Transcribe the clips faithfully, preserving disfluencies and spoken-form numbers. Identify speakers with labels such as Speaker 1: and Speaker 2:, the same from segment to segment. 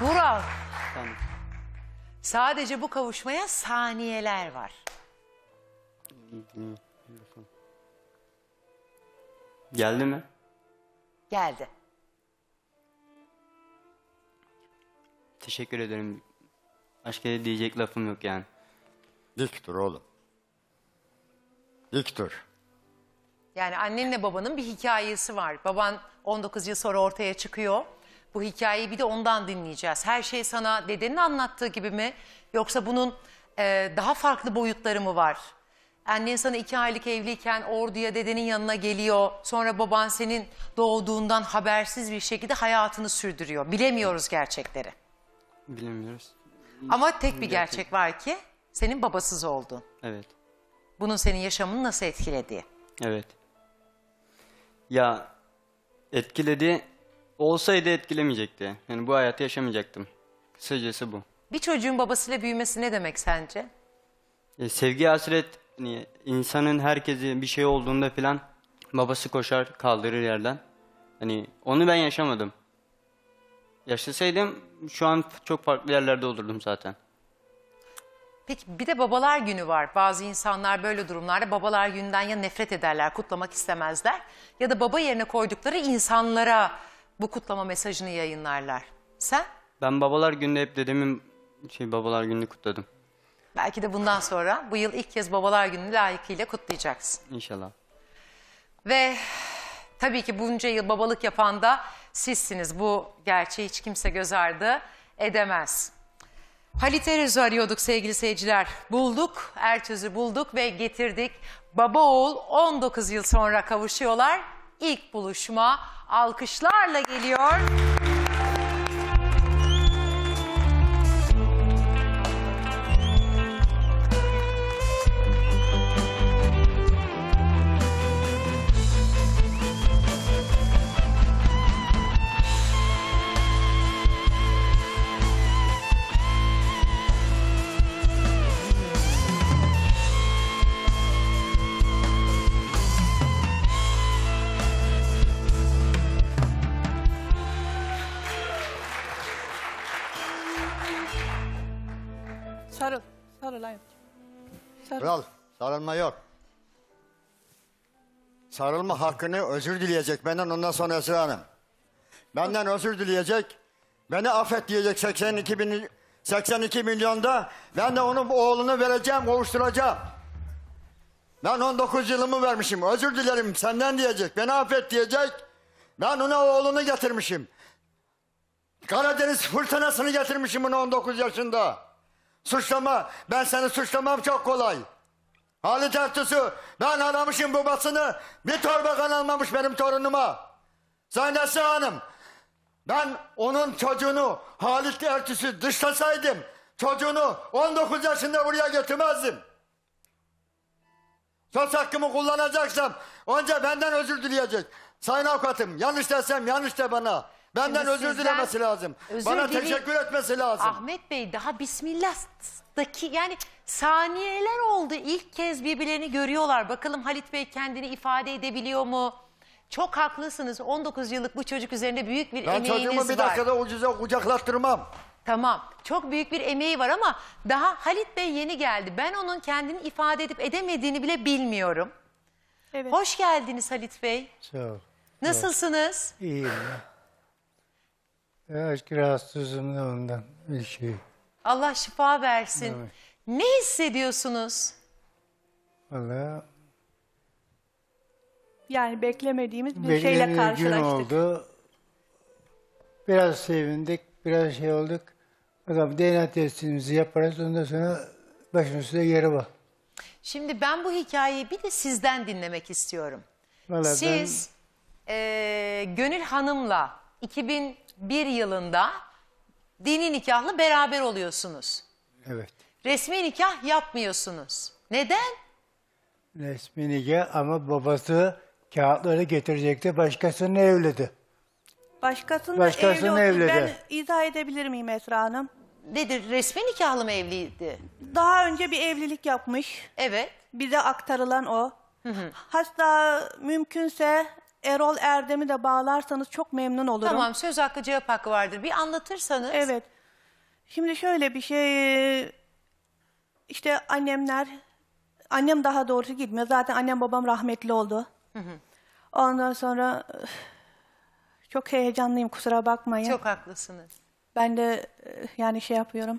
Speaker 1: Vural,
Speaker 2: Tamam.
Speaker 1: sadece bu kavuşmaya saniyeler var.
Speaker 2: Geldi mi?
Speaker 1: Geldi.
Speaker 2: Teşekkür ederim. Başka diyecek lafım yok yani.
Speaker 3: Dik dur oğlum. Dik dur.
Speaker 1: Yani annenle babanın bir hikayesi var. Baban on dokuz yıl sonra ortaya çıkıyor. Bu hikayeyi bir de ondan dinleyeceğiz. Her şey sana dedenin anlattığı gibi mi? Yoksa bunun e, daha farklı boyutları mı var? Annen sana iki aylık evliyken orduya dedenin yanına geliyor. Sonra baban senin doğduğundan habersiz bir şekilde hayatını sürdürüyor. Bilemiyoruz gerçekleri.
Speaker 2: Bilemiyoruz.
Speaker 1: Ama tek bir gerçek var ki senin babasız oldun.
Speaker 2: Evet.
Speaker 1: Bunun senin yaşamını nasıl etkilediği.
Speaker 2: Evet. Ya etkiledi. Olsaydı etkilemeyecekti. Yani bu hayatı yaşamayacaktım. Kısacası bu.
Speaker 1: Bir çocuğun babasıyla büyümesi ne demek sence?
Speaker 2: E, sevgi hasret, hani insanın herkesi bir şey olduğunda falan babası koşar kaldırır yerden. Hani onu ben yaşamadım. Yaşasaydım şu an çok farklı yerlerde olurdum zaten.
Speaker 1: Peki bir de babalar günü var. Bazı insanlar böyle durumlarda babalar gününden ya nefret ederler, kutlamak istemezler. Ya da baba yerine koydukları insanlara bu kutlama mesajını yayınlarlar. Sen?
Speaker 2: Ben babalar günde hep dedemin şey babalar gününü kutladım.
Speaker 1: Belki de bundan sonra bu yıl ilk kez babalar gününü layıkıyla kutlayacaksın.
Speaker 2: İnşallah.
Speaker 1: Ve tabii ki bunca yıl babalık yapan da sizsiniz. Bu gerçeği hiç kimse göz ardı edemez. Halit Eröz'ü arıyorduk sevgili seyirciler. Bulduk, Ertöz'ü bulduk ve getirdik. Baba oğul on dokuz yıl sonra kavuşuyorlar. İlk buluşma alkışlarla geliyor.
Speaker 4: Sarıl. Sarıl hayatım. Sarıl.
Speaker 3: Kral sarılma yok. Sarılma hakkını özür dileyecek benden ondan sonra Esra Hanım. Benden özür dileyecek. Beni affet diyecek seksen iki bin, seksen iki milyonda. Ben de onun oğlunu vereceğim, kavuşturacağım. Ben on dokuz yılımı vermişim. Özür dilerim senden diyecek. Beni affet diyecek. Ben ona oğlunu getirmişim. Karadeniz fırtınasını getirmişim onu on dokuz yaşında. Suçlama. Ben seni suçlamam çok kolay. Halit Ertuğ'u ben aramışım babasını. Bir torba kan almamış benim torunuma. Sayın Esra Hanım. Ben onun çocuğunu Halit Ertuğ'u dışlasaydım çocuğunu on dokuz yaşında buraya getirmezdim. Söz hakkımı kullanacaksam önce benden özür dileyecek. Sayın avukatım yanlış desem yanlış de bana. Benden
Speaker 1: Şimdi
Speaker 3: özür
Speaker 1: sizden
Speaker 3: dilemesi lazım.
Speaker 1: özür
Speaker 3: Bana
Speaker 1: dile-
Speaker 3: teşekkür etmesi lazım.
Speaker 1: Ahmet Bey daha Bismillah'taki yani saniyeler oldu. İlk kez birbirlerini görüyorlar. Bakalım Halit Bey kendini ifade edebiliyor mu? Çok haklısınız. on dokuz yıllık bu çocuk üzerinde büyük bir
Speaker 3: Ben çocuğumu
Speaker 1: emeğiniz
Speaker 3: bir
Speaker 1: var.
Speaker 3: dakikada ucuza kucaklattırmam.
Speaker 1: Tamam. Çok büyük bir emeği var ama daha Halit Bey yeni geldi. Ben onun kendini ifade edip edemediğini bile bilmiyorum.
Speaker 4: Evet.
Speaker 1: Hoş geldiniz Halit Bey.
Speaker 5: Sağ ol.
Speaker 1: Nasılsınız?
Speaker 5: İyiyim ya. Birazcık rahatsızım da ondan bir şey.
Speaker 1: Allah şifa versin.
Speaker 5: Evet.
Speaker 1: Ne hissediyorsunuz?
Speaker 5: Vallahi
Speaker 4: Yani beklemediğimiz bir şeyle
Speaker 5: beklediğim gün
Speaker 4: karşılaştık.
Speaker 5: oldu. Biraz sevindik, biraz şey olduk. Bakalım D N A testimizi yaparız. Ondan sonra başın üstüne yeri var.
Speaker 1: Şimdi ben bu hikayeyi bir de sizden dinlemek istiyorum.
Speaker 5: Vallahi
Speaker 1: Siz eee, Gönül Hanım'la iki bin bir yılında dini nikahlı beraber oluyorsunuz.
Speaker 5: ben, evet.
Speaker 1: Resmi nikah yapmıyorsunuz. Neden?
Speaker 5: Resmi nikah ama babası kağıtları getirecekti. Başkasının evlidi.
Speaker 4: Başkasının
Speaker 5: Başkasının
Speaker 4: evli olduğunu
Speaker 5: evlidi.
Speaker 4: ben izah edebilir miyim Esra Hanım?
Speaker 1: Nedir? Resmi nikahlı mı evliydi?
Speaker 4: Daha önce bir evlilik yapmış.
Speaker 1: Evet.
Speaker 4: Bize aktarılan o. Hatta mümkünse Erol Erdem'i de bağlarsanız çok memnun olurum.
Speaker 1: Tamam, söz hakkı cevap hakkı vardır. Bir anlatırsanız.
Speaker 4: Evet. Şimdi şöyle bir şey, işte annemler, annem daha doğrusu gitmiyor. Zaten annem babam rahmetli oldu. Ondan sonra üf, çok heyecanlıyım, kusura bakmayın.
Speaker 1: Çok haklısınız.
Speaker 4: Ben de e, yani şey yapıyorum.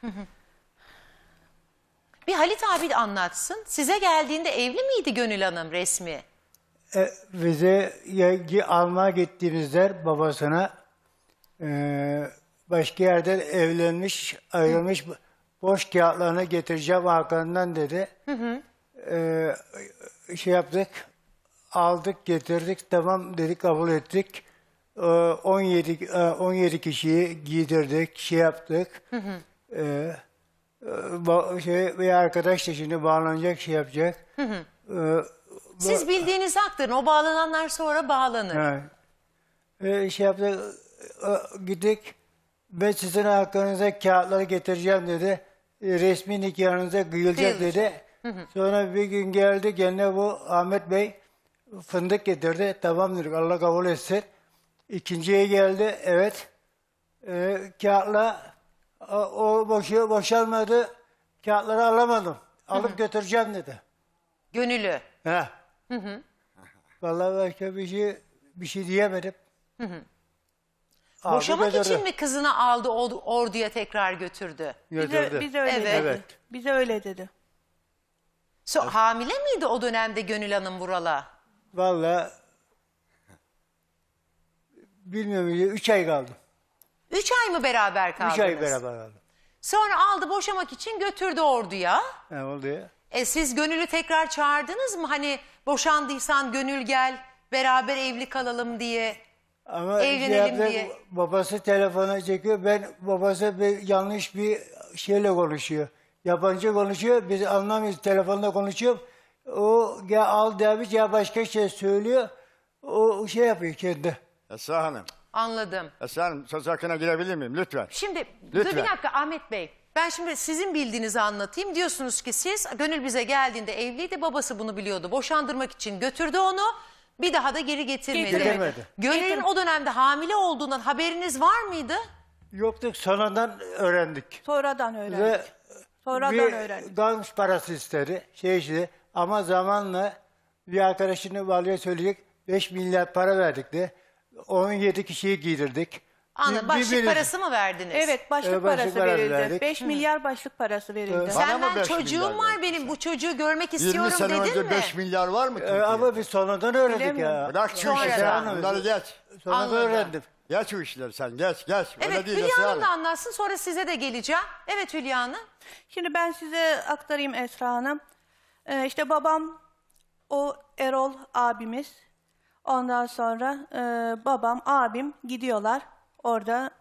Speaker 1: Bir Halit abi de anlatsın. Size geldiğinde evli miydi Gönül Hanım resmi?
Speaker 5: E, bize ye- almaya gittiğimizde babasına e, başka yerden evlenmiş, ayrılmış boş kağıtlarını getireceğim arkandan dedi. E, şey yaptık, aldık, getirdik, tamam dedik, kabul ettik. E, on yedi e, on yedi kişiyi giydirdik, şey yaptık. E, e, ba- şey, bir arkadaş da şimdi bağlanacak, şey yapacak. E,
Speaker 1: Siz bildiğinizi aktarın. O bağlananlar sonra bağlanır.
Speaker 5: Evet. Ee, şey yaptık, e, gittik. Ben sizin hakkınıza kağıtları getireceğim dedi. E, resmi nikahınıza kıyılacak
Speaker 1: Kıyılacak.
Speaker 5: dedi. Sonra bir gün geldi gene bu Ahmet Bey fındık getirdi. Tamam dedik, Allah kabul etsin. İkinciye geldi, evet. E, kağıtla o, o boşu, boşalmadı. Kağıtları alamadım. Alıp götüreceğim dedi.
Speaker 1: Gönül'ü.
Speaker 5: He. Vallahi başka bir şey bir şey diyemedim. Aldı,
Speaker 1: Boşamak
Speaker 5: götürdü.
Speaker 1: için mi kızını aldı or- orduya tekrar götürdü?
Speaker 4: Bize,
Speaker 5: Götürdü.
Speaker 4: bize öyle
Speaker 1: Evet.
Speaker 4: dedi.
Speaker 5: Evet.
Speaker 4: Bize öyle dedi.
Speaker 1: So, hamile miydi o dönemde Gönül Hanım Vural'a?
Speaker 5: Vallahi bilmiyorum, üç ay kaldım.
Speaker 1: Üç ay mı beraber kaldınız?
Speaker 5: Üç ay beraber kaldım.
Speaker 1: Sonra aldı boşamak için götürdü orduya.
Speaker 5: Ne oldu ya?
Speaker 1: E siz Gönül'ü tekrar çağırdınız mı? Hani boşandıysan Gönül gel beraber evli kalalım diye.
Speaker 5: Ama şey
Speaker 1: Evlenelim
Speaker 5: yaptı,
Speaker 1: diye.
Speaker 5: babası telefona çekiyor. Ben babası bir yanlış bir şeyle konuşuyor. Yabancı konuşuyor. Biz anlamıyoruz. Telefonda konuşuyor. O ya al demiş ya başka şey söylüyor. O şey yapıyor kendi.
Speaker 3: Esra Hanım.
Speaker 1: Anladım.
Speaker 3: Esra Hanım söz hakkına girebilir miyim lütfen?
Speaker 1: Şimdi dur bir
Speaker 3: Lütfen.
Speaker 1: dakika Ahmet Bey. Ben şimdi sizin bildiğinizi anlatayım. Diyorsunuz ki siz Gönül bize geldiğinde evliydi. Babası bunu biliyordu. Boşandırmak için götürdü onu. Bir daha da geri getirmedi.
Speaker 5: Getirmedi.
Speaker 1: Gönül'ün o dönemde hamile olduğundan haberiniz var mıydı?
Speaker 5: Yoktuk, sonradan öğrendik.
Speaker 4: Sonradan öğrendik.
Speaker 5: Ve
Speaker 4: Sonradan
Speaker 5: bir
Speaker 4: öğrendik.
Speaker 5: ganç parası istedi. Şey işte. Ama zamanla bir arkadaşını valide söyleyecek beş milyar para verdik de on yedi kişiyi giydirdik.
Speaker 1: Anladım.
Speaker 5: Bir-
Speaker 1: Başlık
Speaker 5: birbirimiz-
Speaker 1: parası mı verdiniz?
Speaker 4: Evet, başlık
Speaker 5: Evet, başlık
Speaker 4: parası
Speaker 5: parası
Speaker 4: verildi.
Speaker 5: verdik.
Speaker 4: beş milyar başlık parası verildi.
Speaker 5: Evet.
Speaker 3: Bana
Speaker 1: Sen
Speaker 3: mı
Speaker 1: ben
Speaker 3: beş
Speaker 1: çocuğum
Speaker 3: milyar
Speaker 1: var
Speaker 3: verdin
Speaker 1: benim.
Speaker 3: sen?
Speaker 1: Bu çocuğu görmek
Speaker 3: yirmi
Speaker 1: istiyorum
Speaker 3: sene
Speaker 1: dedin
Speaker 3: önce
Speaker 1: mi?
Speaker 3: beş milyar var mı
Speaker 5: Ee,
Speaker 3: Türkiye'de?
Speaker 5: ama biz sonradan öğrendik
Speaker 4: Bilemiyorum.
Speaker 5: ya.
Speaker 3: Bırak şu
Speaker 1: Sonradan.
Speaker 3: işleri sen.
Speaker 5: Anladım.
Speaker 3: Bunları geç.
Speaker 5: Sonradan
Speaker 1: Anladım.
Speaker 5: öğrendim.
Speaker 3: Geç şu işleri sen geç geç. Öyle
Speaker 1: Evet
Speaker 3: değil
Speaker 1: Hülya
Speaker 3: Esra
Speaker 1: Hanım da
Speaker 3: Hanım.
Speaker 1: anlatsın sonra size de geleceğim. Evet Hülya Hanım.
Speaker 4: Şimdi ben size aktarayım Esra Hanım. Ee, işte babam, o Erol abimiz. Ondan sonra e, babam, abim gidiyorlar. Orada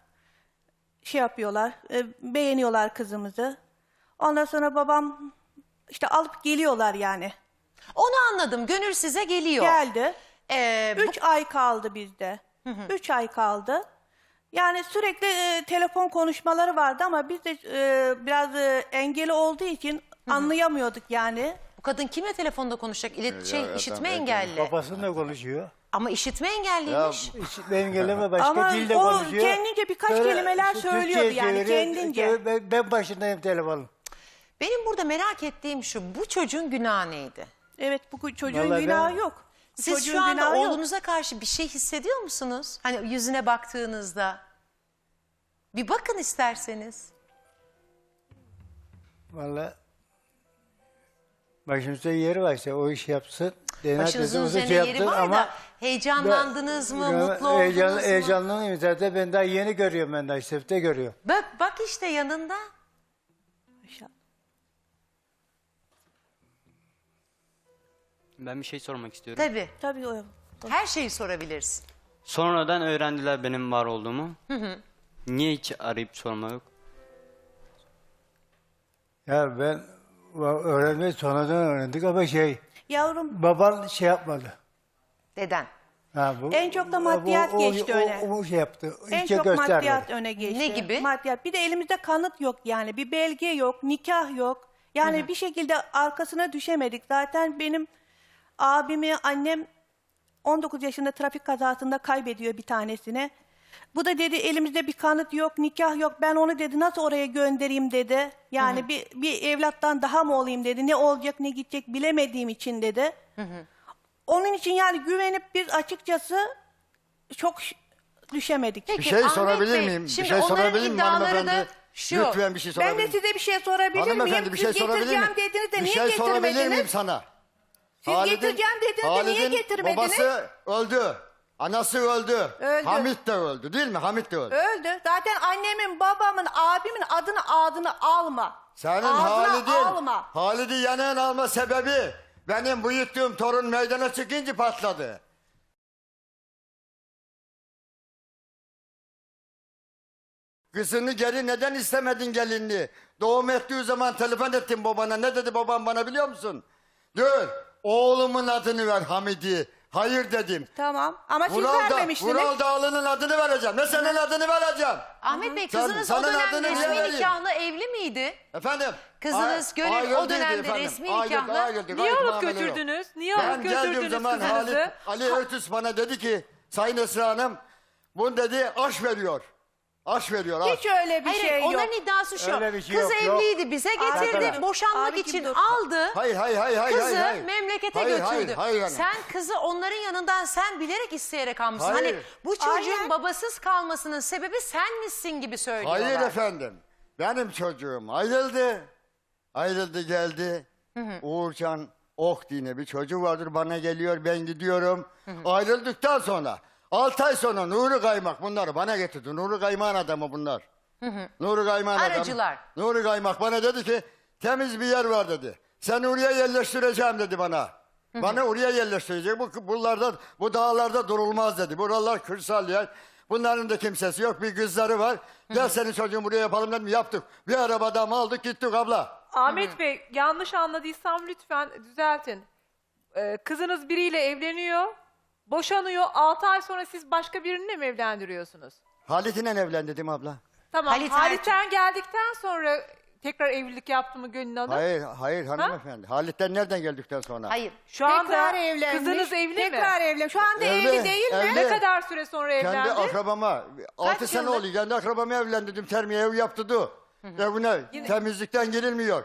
Speaker 4: şey yapıyorlar, e, beğeniyorlar kızımızı. Ondan sonra babam işte alıp geliyorlar yani.
Speaker 1: Onu anladım. Gönül size geliyor.
Speaker 4: Geldi.
Speaker 1: Ee, bu-
Speaker 4: Üç ay kaldı bizde. Üç ay kaldı. Yani sürekli e, telefon konuşmaları vardı ama biz de e, biraz e, engeli olduğu için anlayamıyorduk yani.
Speaker 1: bu kadın kimle telefonda konuşacak? İlet şey,
Speaker 3: ya,
Speaker 1: işitme
Speaker 3: tamam,
Speaker 1: engelli.
Speaker 5: Babasıyla konuşuyor.
Speaker 1: Ama işitme engelliymiş.
Speaker 5: Hiç benim geleme başka
Speaker 4: Ama
Speaker 5: dilde
Speaker 4: o
Speaker 5: konuşuyor.
Speaker 4: kendince birkaç
Speaker 5: Sonra
Speaker 4: kelimeler
Speaker 5: şu
Speaker 4: söylüyordu
Speaker 5: Türkçe'ye
Speaker 4: yani,
Speaker 5: çeviriyor.
Speaker 4: kendince.
Speaker 5: Ben, ben başındayım telefonun.
Speaker 1: Benim burada merak ettiğim şu. Bu çocuğun günahı neydi?
Speaker 4: Evet, bu çocuğun
Speaker 5: Vallahi
Speaker 4: günahı
Speaker 5: ben-
Speaker 4: yok. Bu
Speaker 1: Siz
Speaker 4: çocuğun
Speaker 1: şu anda
Speaker 4: günahı yok.
Speaker 1: oğlunuza karşı bir şey hissediyor musunuz? Hani yüzüne baktığınızda. Bir bakın isterseniz.
Speaker 5: Vallahi başımızda yeri varsa o iş yapsın. D N A
Speaker 1: Başınızın
Speaker 5: testimizi
Speaker 1: üzerinde
Speaker 5: şey
Speaker 1: yeri
Speaker 5: yaptın
Speaker 1: var
Speaker 5: ama
Speaker 1: da heyecanlandınız mı?
Speaker 5: ben-
Speaker 1: Mutlu oldunuz
Speaker 5: heyecan,
Speaker 1: mu?
Speaker 5: Heyecanlıyım zaten, ben daha yeni görüyorum, ben daha İstif'te görüyorum.
Speaker 1: Bak, bak işte yanında.
Speaker 2: Ben bir şey sormak istiyorum.
Speaker 1: Tabii.
Speaker 4: Tabii o.
Speaker 1: Her şeyi sorabilirsin.
Speaker 2: Sonradan öğrendiler benim var olduğumu. Niye hiç arayıp sormadık?
Speaker 5: Ya ben va- öğrenmeyi sonradan öğrendik ama şey,
Speaker 4: Yavrum,
Speaker 5: baban şey yapmadı.
Speaker 1: Deden.
Speaker 5: Ha, bu,
Speaker 4: En çok da maddiyat
Speaker 5: o, o,
Speaker 4: geçti
Speaker 5: o,
Speaker 4: öne.
Speaker 5: O, o şey yaptı.
Speaker 4: en
Speaker 5: İçe
Speaker 4: çok
Speaker 5: göstermedi.
Speaker 4: maddiyat öne geçti.
Speaker 1: Ne gibi?
Speaker 4: Maddiyat. Bir de elimizde kanıt yok yani. Bir belge yok, nikah yok. Yani bir şekilde arkasına düşemedik. Zaten benim abimi annem on dokuz yaşında trafik kazasında kaybediyor bir tanesini. Bu da dedi elimizde bir kanıt yok, nikah yok. Ben onu dedi nasıl oraya göndereyim dedi. Yani bir, bir evlattan daha mı olayım dedi. Ne olacak ne gidecek bilemediğim için dedi. Onun için yani güvenip biz açıkçası çok ş- düşemedik.
Speaker 1: Peki,
Speaker 3: Bir şey
Speaker 1: Ahmet
Speaker 3: sorabilir
Speaker 1: Bey,
Speaker 3: miyim? Bir
Speaker 1: şimdi
Speaker 3: şey
Speaker 1: onların
Speaker 3: sorabilir miyim
Speaker 1: iddiaları
Speaker 3: hanımefendi?
Speaker 1: da şu.
Speaker 3: Lütfen bir şey sorabilir
Speaker 4: Ben de
Speaker 3: miyim?
Speaker 4: size bir şey sorabilir
Speaker 3: Hanımefendi
Speaker 4: miyim?
Speaker 3: bir şey
Speaker 4: Siz
Speaker 3: sorabilir miyim?
Speaker 4: getireceğim dediniz de
Speaker 3: Bir
Speaker 4: niye
Speaker 3: şey sorabilir miyim
Speaker 4: getirmediniz?
Speaker 3: sana?
Speaker 4: Siz getireceğim dediniz de niye
Speaker 3: Halid'in
Speaker 4: getirmediniz?
Speaker 3: babası öldü. Anası öldü.
Speaker 4: Öldü.
Speaker 3: Hamit de öldü değil mi? Hamit de öldü.
Speaker 4: Öldü. Zaten annemin, babamın, abimin adını adını alma.
Speaker 3: Senin
Speaker 4: Ağzına
Speaker 3: Halid'in,
Speaker 4: alma.
Speaker 3: Halid'i yanına alma sebebi benim büyüttüğüm torun meydana çıkınca patladı. Kızını geri neden istemedin gelinliği? Doğum ettiği zaman telefon ettim babana. Ne dedi babam bana biliyor musun? Dur, oğlumun adını ver Hamid'i. Hayır dedim.
Speaker 4: Tamam ama siz
Speaker 3: Vural, da,
Speaker 4: vermemiştiniz.
Speaker 3: Vural Dağlı'nın adını vereceğim. Ne senin adını vereceğim.
Speaker 1: Ahmet Bey,
Speaker 3: Sen-
Speaker 1: kızınız
Speaker 3: sana
Speaker 1: o dönem
Speaker 3: adını niye
Speaker 1: resmi
Speaker 3: vereyim?
Speaker 1: nikahlı evli miydi?
Speaker 3: Efendim?
Speaker 1: Kızınız
Speaker 3: Ay-
Speaker 1: Gönül
Speaker 3: ayrıldı
Speaker 1: o dönemde
Speaker 3: efendim.
Speaker 1: resmi
Speaker 3: Ayrıldı,
Speaker 1: nikahlı.
Speaker 3: ayrıldı.
Speaker 6: Niye
Speaker 3: Gayet
Speaker 6: alıp
Speaker 3: muamele yok.
Speaker 6: götürdünüz? Niye
Speaker 3: Ben
Speaker 6: alıp
Speaker 3: geldiğim
Speaker 6: götürdünüz
Speaker 3: zaman
Speaker 6: kızınızı?
Speaker 3: Halit, Ali Örtüs bana dedi ki Sayın Esra Hanım bunu dedi aş veriyor. Aş veriyor aş.
Speaker 4: Hiç öyle bir
Speaker 1: Hayır,
Speaker 4: şey yok.
Speaker 1: onların iddiası şu.
Speaker 5: Öyle bir şey
Speaker 1: Kız
Speaker 5: yok, yok.
Speaker 1: evliydi, bize getirdi,
Speaker 4: Abicim,
Speaker 1: boşanmak
Speaker 4: abicim
Speaker 1: için
Speaker 4: dur.
Speaker 1: aldı.
Speaker 3: Hayır hayır hayır hayır.
Speaker 1: Kızı
Speaker 3: hayır, hayır.
Speaker 1: memlekete
Speaker 3: Hayır,
Speaker 1: götürdü.
Speaker 3: Hayır hayır hanım.
Speaker 1: Sen kızı onların yanından sen bilerek isteyerek almışsın.
Speaker 3: Hayır.
Speaker 1: Hani bu çocuğun
Speaker 4: Aynen.
Speaker 1: babasız kalmasının sebebi sen misin gibi söylüyorlar.
Speaker 3: Hayır efendim. Benim çocuğum ayrıldı. Ayrıldı geldi. Uğurcan Ok diye bir çocuğu vardır bana geliyor ben gidiyorum. Ayrıldıktan sonra altı ay sonra Nuri Kaymak bunları bana getirdi. Nuri Kaymak'ın adamı bunlar. Nuri Kaymak'ın adamı.
Speaker 1: Aracılar.
Speaker 3: Nuri Kaymak bana dedi ki temiz bir yer var dedi. Sen oraya yerleştireceğim dedi bana. Bana oraya yerleştirecek. Bu buralarda bu dağlarda durulmaz dedi. Buralar kırsal yer. Bunların da kimsesi yok. Bir kızları var. Gel senin çocuğun buraya yapalım dedim. Yaptık. Bir arabada mı aldık gittik abla.
Speaker 6: Ahmet Bey, yanlış anladıysam lütfen düzeltin. Ee, kızınız biriyle evleniyor, boşanıyor. altı ay sonra siz başka birini mi evlendiriyorsunuz?
Speaker 3: Halit'le evlen dedim abla.
Speaker 6: Tamam,
Speaker 1: Halit
Speaker 6: Halit'ten geldikten sonra tekrar evlilik yaptı mı Gönül Hanım?
Speaker 3: Hayır hayır hanımefendi. Halit'ten nereden geldikten sonra?
Speaker 1: Hayır.
Speaker 6: Şu anda
Speaker 4: Tekrar evlenmiş.
Speaker 6: kızınız evli mi?
Speaker 4: Tekrar evli. Şu anda
Speaker 3: Evli,
Speaker 4: evli, değil mi?
Speaker 3: evli.
Speaker 6: Ne kadar süre sonra
Speaker 3: Kendi
Speaker 6: evlendi?
Speaker 3: akrabama. Altı sene
Speaker 1: yıllık?
Speaker 3: oluyor. Kendi akrabama evlendirdim. Termiye ev yaptırdı. Evine temizlikten girilmiyor.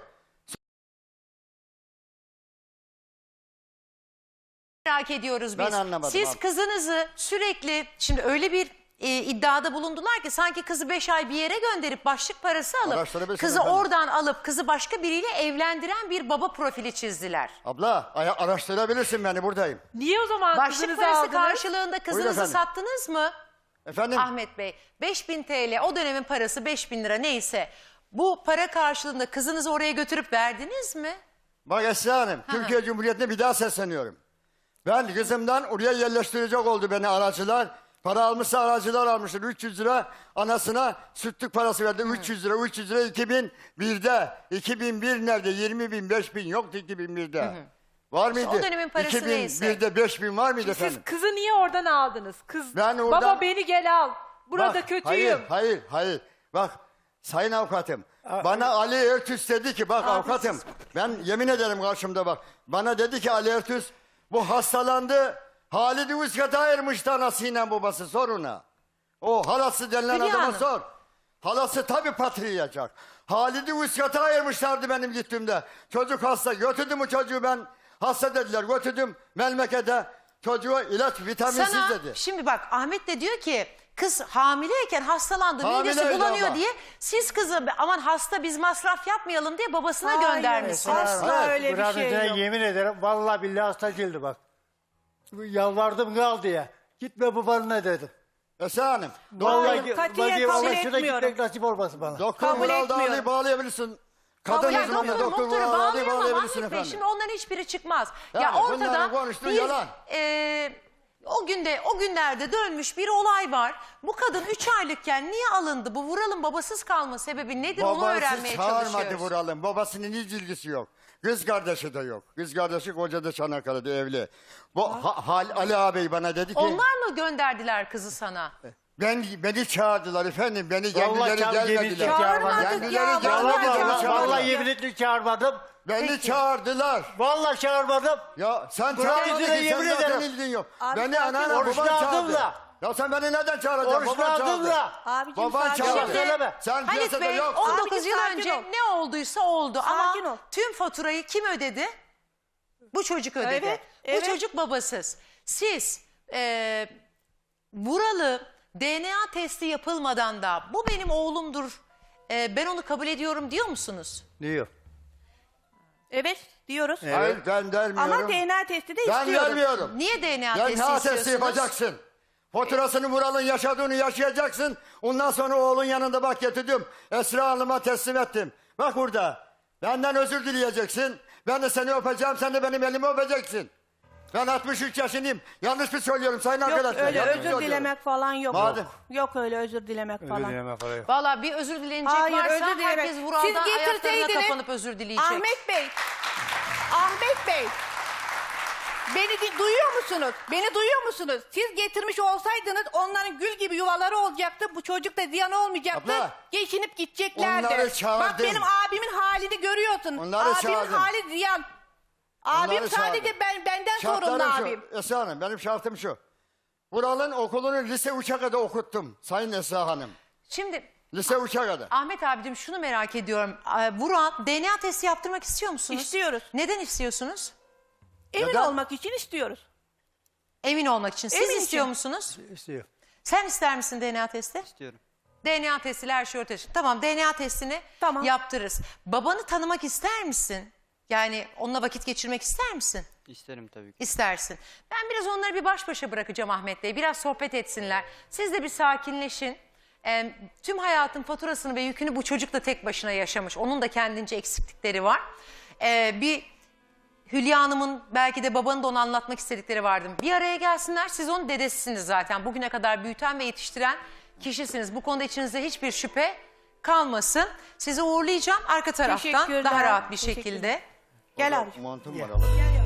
Speaker 1: Merak ediyoruz biz.
Speaker 3: Ben anlamadım
Speaker 1: Siz
Speaker 3: abi.
Speaker 1: kızınızı sürekli şimdi öyle bir e, iddiada bulundular ki sanki kızı beş ay bir yere gönderip başlık parası alıp
Speaker 3: Araştırabilirsin
Speaker 1: kızı
Speaker 3: efendim.
Speaker 1: oradan alıp kızı başka biriyle evlendiren bir baba profili çizdiler.
Speaker 3: Abla aya- araştırabilirsin beni buradayım.
Speaker 6: Niye o zaman
Speaker 1: Başlık
Speaker 6: kızınızı
Speaker 1: parası
Speaker 6: aldınız?
Speaker 1: karşılığında kızınızı
Speaker 3: efendim.
Speaker 1: sattınız mı
Speaker 3: Efendim?
Speaker 1: Ahmet Bey? beş bin T L o dönemin parası beş bin lira neyse bu para karşılığında kızınızı oraya götürüp verdiniz mi?
Speaker 3: Bak Esra Hanım, Türkiye Cumhuriyeti'ne bir daha sesleniyorum. Ben kızımdan oraya yerleştirecek oldu beni aracılar. Para almışsa aracılar almıştır. üç yüz lira anasına sütlük parası verdi. üç yüz lira, üç yüz lira iki bin birde. iki bin bir nerede? yirmi bin, beş bin yoktu iki bin birde. Var mıydı?
Speaker 1: o dönemin parası
Speaker 3: iki bin birde
Speaker 1: neyse.
Speaker 3: beş bin var mıydı
Speaker 6: Siz
Speaker 3: efendim?
Speaker 6: kızı niye oradan aldınız? Kız,
Speaker 3: Ben oradan-
Speaker 6: baba beni gel al. Burada
Speaker 3: Bak,
Speaker 6: kötüyüm.
Speaker 3: Hayır, hayır, hayır. Bak, sayın avukatım. Bana Ali Ertüs dedi ki, bak avukatım. Ben yemin ederim karşımda bak. Bana dedi ki Ali Ertüs, bu hastalandı. Halid-i Üskat'a ayırmıştı anasıyla babası, sor ona. O halası denilen
Speaker 1: Hülya
Speaker 3: adama
Speaker 1: Hanım.
Speaker 3: sor. Halası tabii patriyacak. Halid-i Üskat'a ayırmışlardı benim gittiğimde. Çocuk hasta. Götürdüm bu çocuğu ben. Hasta dediler. Götürdüm memlekete. Çocuğa ilaç vitaminsiz
Speaker 1: Sana
Speaker 3: dedi.
Speaker 1: şimdi bak Ahmet de diyor ki kız hamileyken hastalandı midesi
Speaker 3: Hamileydi
Speaker 1: bulanıyor
Speaker 3: abla.
Speaker 1: diye siz kızı aman hasta biz masraf yapmayalım diye babasına
Speaker 4: Hayır,
Speaker 1: göndermişsiniz.
Speaker 4: asla
Speaker 3: Evet,
Speaker 4: öyle bir
Speaker 5: Kur'an
Speaker 4: şey
Speaker 5: üzerine
Speaker 4: yok.
Speaker 5: yemin ederim vallahi billahi hasta değildi bak. Yalvardım kal diye. Gitme babanına dedim.
Speaker 3: Esra Hanım.
Speaker 5: Vallahi
Speaker 4: Hayır, katiyen
Speaker 5: vallahi
Speaker 4: kabul
Speaker 5: vallahi şurada
Speaker 4: etmiyorum.
Speaker 5: gitmek nasip olmasın bana.
Speaker 3: Doktor
Speaker 4: Kabul
Speaker 3: Vural
Speaker 4: etmiyorum.
Speaker 3: Dağlı'yı bağlayabilirsin. Kadın
Speaker 1: Ya
Speaker 3: uzmanı
Speaker 1: doktor
Speaker 3: Doktor
Speaker 1: doktoru
Speaker 3: Vural Dağlı'yı
Speaker 1: bağlayamam
Speaker 3: bağlayabilirsin
Speaker 1: Ahmet Bey.
Speaker 3: efendim.
Speaker 1: Şimdi onların hiçbiri çıkmaz. ya
Speaker 3: Yani
Speaker 1: ortada
Speaker 3: bunların konuştuğu
Speaker 1: bir,
Speaker 3: yalan.
Speaker 1: e, o günde o günlerde dönmüş bir olay var. Bu kadın üç aylıkken niye alındı? Bu Vural'ın babasız kalma sebebi nedir onu
Speaker 3: Babası
Speaker 1: öğrenmeye
Speaker 3: çağırmadı
Speaker 1: çalışıyoruz.
Speaker 3: Vural'ın. Babasının hiç ilgisi yok. Kız kardeşi de yok. Kız kardeşi kocada Çanakkale'de evli. Bu ha, Hal- Ali ağabey bana dedi ki...
Speaker 1: Onlar mı gönderdiler kızı sana?
Speaker 3: Ben, beni çağırdılar efendim. Beni
Speaker 5: Vallahi
Speaker 3: kendileri
Speaker 5: çağır- yemin
Speaker 3: gelmediler.
Speaker 5: ediyorum çağırmadım.
Speaker 4: Çağırmadık ya,
Speaker 3: Kendileri
Speaker 4: vallahi
Speaker 5: Vallahi,
Speaker 3: gelmediler.
Speaker 5: vallahi,
Speaker 3: çağırdılar.
Speaker 5: vallahi yemin ederim çağırmadım.
Speaker 3: Beni çağırdılar.
Speaker 5: Vallahi çağırmadım.
Speaker 3: Ya sen
Speaker 5: Kur'an
Speaker 3: çağırmadın
Speaker 5: yüzüne
Speaker 3: ki,
Speaker 5: yemin
Speaker 3: sen zaten
Speaker 5: ederim.
Speaker 3: ilgin yok.
Speaker 4: Abi
Speaker 3: Beni
Speaker 4: sakin
Speaker 3: anneanne
Speaker 4: ol.
Speaker 3: baban
Speaker 5: Oruçlu aldım
Speaker 3: çağırdı.
Speaker 5: da.
Speaker 3: Ya sen beni neden çağıracaksın?
Speaker 5: Oruçlu
Speaker 3: Baban
Speaker 5: aldım
Speaker 3: çağırdı.
Speaker 5: da.
Speaker 4: Abicim
Speaker 3: Baban
Speaker 4: sakin
Speaker 3: çağırdı.
Speaker 4: ol.
Speaker 5: söyleme.
Speaker 3: Sen
Speaker 1: Halit
Speaker 3: piyasada
Speaker 1: Bey
Speaker 3: yoksun.
Speaker 1: on dokuz
Speaker 4: Abicim,
Speaker 1: yıl
Speaker 4: sakin
Speaker 1: önce
Speaker 4: ol.
Speaker 1: ne olduysa oldu
Speaker 4: Sakin
Speaker 1: ama
Speaker 4: ol.
Speaker 1: tüm faturayı kim ödedi? Bu çocuk ödedi.
Speaker 4: Evet,
Speaker 1: Bu
Speaker 4: evet.
Speaker 1: çocuk babasız. Siz e, Vural'ı D N A testi yapılmadan da bu benim oğlumdur, e, ben onu kabul ediyorum diyor musunuz?
Speaker 5: Diyor.
Speaker 4: Evet diyoruz.
Speaker 3: Hayır ben vermiyorum.
Speaker 4: Ama D N A testi de
Speaker 3: Ben
Speaker 4: istiyoruz.
Speaker 3: vermiyorum.
Speaker 1: Niye D N A
Speaker 3: D
Speaker 1: testi
Speaker 3: N A
Speaker 1: istiyorsunuz?
Speaker 3: testi yapacaksın. Faturasını Vural'ın yaşadığını yaşayacaksın. Ondan sonra oğlun yanında bak getirdim. Esra Hanım'a teslim ettim. Bak burada. Benden özür dileyeceksin. Ben de seni öpeceğim. Sen de benim elimi öpeceksin. Ben altmış üç yaşındayım. Yanlış mı söylüyorum sayın
Speaker 4: Yok
Speaker 3: arkadaşlar?
Speaker 4: öyle
Speaker 3: Yanlış
Speaker 4: özür
Speaker 3: söylüyorum.
Speaker 4: dilemek falan yok.
Speaker 3: Madem-
Speaker 4: Yok öyle özür dilemek
Speaker 5: Öyle
Speaker 4: falan.
Speaker 5: dileme falan yok.
Speaker 1: Valla bir özür dilenecek
Speaker 4: Hayır,
Speaker 1: varsa
Speaker 4: özür dilemek.
Speaker 1: herkes Vural'dan
Speaker 4: Siz
Speaker 1: ayaklarına
Speaker 4: getirseydiniz-
Speaker 1: kapanıp özür dileyecek.
Speaker 4: Ahmet Bey. Ahmet Bey. Beni di- duyuyor musunuz? Beni duyuyor musunuz? Siz getirmiş olsaydınız onların gül gibi yuvaları olacaktı. Bu çocuk da ziyan olmayacaktı.
Speaker 3: Abla,
Speaker 4: Geçinip gideceklerdi.
Speaker 3: onları çağırdım.
Speaker 4: Bak benim abimin halini görüyorsun.
Speaker 3: Onları
Speaker 4: abimin
Speaker 3: çağırdım.
Speaker 4: hali ziyan. Abim
Speaker 3: Onları
Speaker 4: sadece
Speaker 3: çağırdım.
Speaker 4: ben benden sorumlu
Speaker 3: Şartlarım
Speaker 4: abim.
Speaker 3: şu. Esra Hanım benim şartım şu. Vural'ın okulunu lise üçe kadar okuttum sayın Esra Hanım.
Speaker 1: Şimdi
Speaker 3: Lise üçe kadar.
Speaker 1: Ahmet abicim şunu merak ediyorum. Ee, Vural D N A testi yaptırmak istiyor musunuz?
Speaker 4: İstiyoruz.
Speaker 1: Neden istiyorsunuz?
Speaker 4: Emin
Speaker 3: Neden?
Speaker 4: olmak için istiyoruz.
Speaker 1: Emin olmak için. Siz
Speaker 4: Emin
Speaker 1: istiyor
Speaker 4: için.
Speaker 1: musunuz?
Speaker 5: İstiyor.
Speaker 1: Sen ister misin D N A testi?
Speaker 2: İstiyorum.
Speaker 1: D N A testiyle her şey ortaya çıkıyor. Tamam D N A testini
Speaker 4: Tamam.
Speaker 1: yaptırırız. Babanı tanımak ister misin? Yani onunla vakit geçirmek ister misin?
Speaker 2: İsterim tabii ki.
Speaker 1: İstersin. Ben biraz onları bir baş başa bırakacağım Ahmet Bey. Biraz sohbet etsinler. Siz de bir sakinleşin. Ee, tüm hayatın faturasını ve yükünü bu çocuk da tek başına yaşamış. Onun da kendince eksiklikleri var. Ee, bir Hülya Hanım'ın belki de babanın da onu anlatmak istedikleri vardı. Bir araya gelsinler. Siz onun dedesisiniz zaten. Bugüne kadar büyüten ve yetiştiren kişisiniz. Bu konuda içinizde hiçbir şüphe kalmasın. Sizi uğurlayacağım arka taraftan
Speaker 4: Teşekkürler.
Speaker 1: daha rahat bir
Speaker 4: Teşekkürler.
Speaker 1: şekilde.
Speaker 4: Gel abi.
Speaker 3: Montum var alabilir.